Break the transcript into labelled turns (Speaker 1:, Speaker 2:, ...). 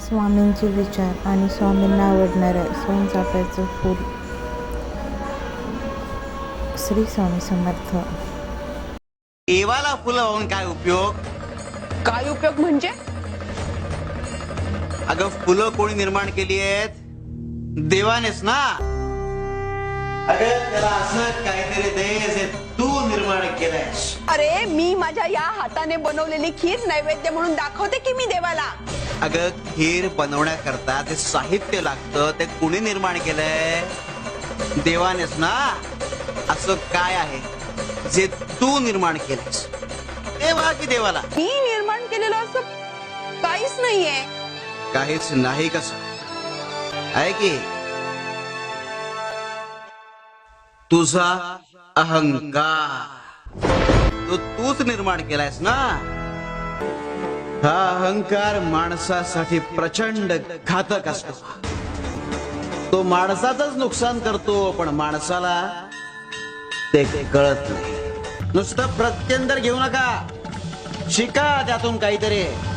Speaker 1: स्वामींचे विचार आणि स्वामींना आवडणारं सोनचाफ्याचं फूल. श्री स्वामी समर्थ.
Speaker 2: देवाला फुलं वाहून काय उपयोग?
Speaker 3: काय उपयोग म्हणजे?
Speaker 2: अगं फुलं कोणी निर्माण केली आहेत? देवानेच ना. अगं त्याला असं काहीतरी दे जे तू निर्माण केलंयस.
Speaker 3: अरे मी माझ्या या हाताने बनवलेली खीर नैवेद्य म्हणून दाखवते की मी देवाला.
Speaker 2: अगं खीर बनवण्याकरता ते साहित्य लागतं, ते कुणी निर्माण केलंय? देवानेच ना. असं काय आहे जे तू निर्माण केलंयस? देवा की देवाला?
Speaker 3: मी निर्माण केलेलं असं काहीच नाहीये.
Speaker 2: काहीच नाही कसं आहे की तुझा अहंकार तो तूच निर्माण केलायस ना. हा अहंकार माणसासाठी प्रचंड घातक असतो. तो माणसाचंच नुकसान करतो, पण माणसाला ते कळत नाही. नुसतं प्रत्यंतर घेऊ नका, शिका त्यातून काहीतरी.